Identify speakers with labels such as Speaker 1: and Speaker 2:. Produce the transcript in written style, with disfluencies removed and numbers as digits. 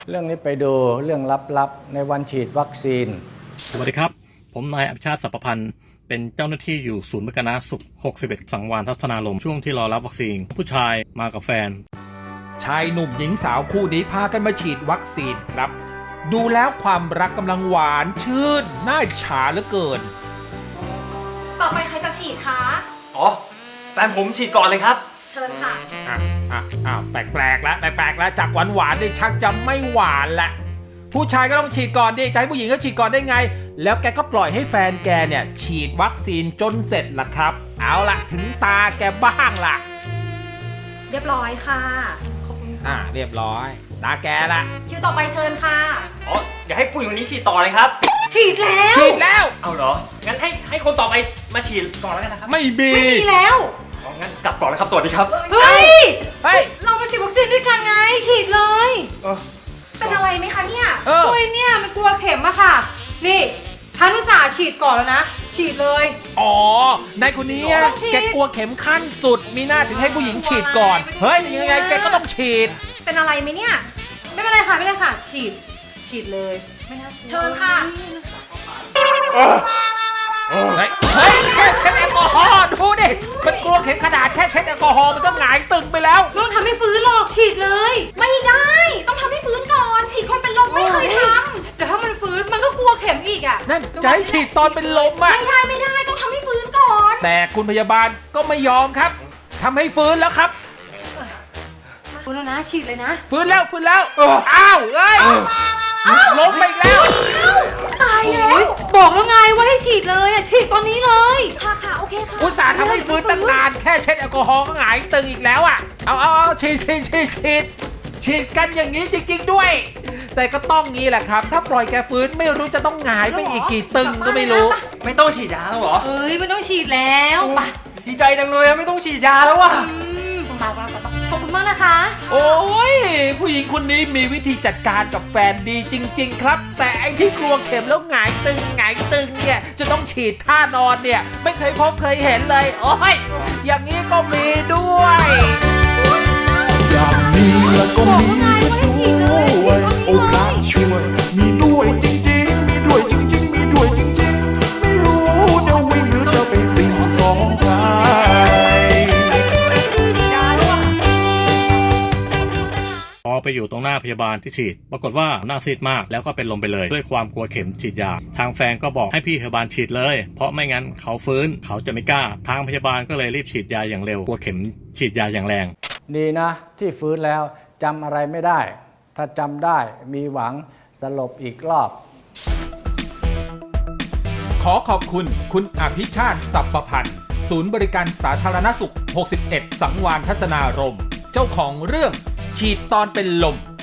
Speaker 1: เรื่องนี้ไปดูเรื่องลับๆในวันฉีดวัคซีน
Speaker 2: สวัสดีครับผมนายอภิชาติสัพพพันธ์เป็นเจ้าหน้าที่อยู่ศูนย์บริการสุข61สังวาลทัศนารมณ์ช่วงที่รอรับวัคซีนผู้ชายมากับแฟน
Speaker 3: ชายหนุ่มหญิงสาวคู่นี้พากันมาฉีดวัคซีนครับดูแล้วความรักกำลังหวานชื่นน่าอิจฉาเหลือเกิน
Speaker 4: ต่อไปใครจะฉีดคะ
Speaker 5: อ๋อแฟนผมฉีดก่อนเลยครับ
Speaker 4: เชิญค่ะ
Speaker 3: แปลกๆแล้วจากหวานได้ชักจะไม่หวานละผู้ชายก็ต้องฉีดก่อนดิจะให้ผู้หญิงก็ฉีดก่อนได้ไงแล้วแกก็ปล่อยให้แฟนแกเนี่ยฉีดวัคซีนจนเสร็จละครับเอาละถึงตาแกบ้างละ
Speaker 4: เรียบร้อยค่ะขอบคุณค่ะ
Speaker 3: เรียบร้อยตาแกละ
Speaker 4: คิวต่อไปเชิญค่ะ
Speaker 5: อ๋ออย่าให้ผู้หญิงคนนี้ฉีดต่อเลยครับ
Speaker 4: ฉีดแล้ว
Speaker 5: เอาเหรองั้นให้คนต่อไปมาฉีดก่อนแล้วกันนะครับ
Speaker 3: ไม่มี
Speaker 4: แล้ว
Speaker 5: งั้นกลับก่อนแล้วครับสวัสดีครับ
Speaker 4: เฮ้ยเรามาฉีดวัคซีนด้วยกันไงฉีดเลยเป็นอะไรไหมคะเนี่ย
Speaker 6: ตัวเนี่ยมันกลัวเข็มอะค่ะนี่ฉันอุตส่าห์ฉีดก่อนแล้วนะฉีดเลย
Speaker 3: นายคนนี้แกกลัวเข็มขั้นสุดมีหน้าถึงให้ผู้หญิงฉีดก่อนเฮ้ยยังไงแกก็ต้องฉีด
Speaker 4: เป็นอะไรไหมเนี่ย
Speaker 6: ไม่เป็นไรค่ะฉีดเลยไม่น่า
Speaker 4: เชิญค่ะ
Speaker 3: เฮ้ยแค่เช็ดแอลกอฮอล์ดูดิมันกลัวเข็มขนาดแค่เช็ดแอลกอฮอล์มันก็หงายตึงไปแล้ว
Speaker 6: ต้องทำให้ฟื้นหรอกฉีดเลย
Speaker 4: ไม่ได้ต้องทำให้ฟื้นก่อนฉีดคนเป็นลมไม่เคยท
Speaker 6: ำแต่ถ้ามันฟื้นมันก็กลัวเข็มอีกอ่ะ
Speaker 3: นั่นจะให้ฉีดตอนเป็นลมอ่ะ
Speaker 4: ไม่ได้ต้องทำให้ฟื้นก่อน
Speaker 3: แต่คุณพยาบาลก็ไม่ยอมครับทำให้ฟื้นแล้วครับ
Speaker 6: ฟื้นแล้วนะฉีดเลยนะ
Speaker 3: ฟื้นแล้วอ้าวเอ้ยล้มไปอีกแล้ว
Speaker 4: ตายแล้ว
Speaker 6: บอกแล้วไงว่าให้ฉีดเลยอ่ะฉีดตอนนี้เลย
Speaker 4: ค่ะโอเคค่ะ
Speaker 3: อุตส่าห์ทำให้ฟื้นตั้งนานแค่เช็ดแอลกอฮอล์ก็หงายตึงอีกแล้วอ่ะเอาฉีดกันอย่างนี้จริงๆด้วยแต่ก็ต้องงี้แหละครับถ้าปล่อยแกฟื้นไม่รู้จะต้องหงายไปอีกกี่ตึงก็ไม่รู้
Speaker 5: ไม่ต้องฉีดยาแล้วเหรอ
Speaker 6: ไม่ต้องฉีดแล้วไป
Speaker 5: ดีใจจังเลยไม่ต้องฉีดยาแล้วว่ะ
Speaker 6: ขอบคุณมากนะคะ
Speaker 3: โอ้ยผู้หญิงคนนี้มีวิธีจัดการกับแฟนดีจริงๆครับแต่ไอ้ที่กลัวเข็มแล้วหงายตึงเนี่ยจะต้องฉีดท่านอนเนี่ยไม่เคยพบเคยเห็นเลยโอ้ยอย่างนี้ก็มีด้วย
Speaker 7: อย่างนี้แล้วก็มีซะด้วยโอ้พระช่วยมีด้วยจริงๆมีด้วยจริงๆไม่รู้จะวิ่งหรือจะไปสิ่งสองใคร
Speaker 2: พอไปอยู่ตรงหน้าพยาบาลที่ฉีดปรากฏว่าหน้าซีดมากแล้วก็เป็นลมไปเลยด้วยความกลัวเข็มฉีดยาทางแฟนก็บอกให้พี่พยาบาลฉีดเลยเพราะไม่งั้นเขาฟื้นเขาจะไม่กล้าทางพยาบาลก็เลยรีบฉีดยาอย่างเร็วกลัวเข็มฉีดยาอย่างแรง
Speaker 1: ดีนะที่ฟื้นแล้วจำอะไรไม่ได้ถ้าจำได้มีหวังสลบอีกรอบ
Speaker 3: ขอขอบคุณอภิชาติสัพพพันธ์ศูนย์บริการสาธารณสุข61สังวาลทัศนารมณ์เจ้าของเรื่องฉีดตอนเป็นลม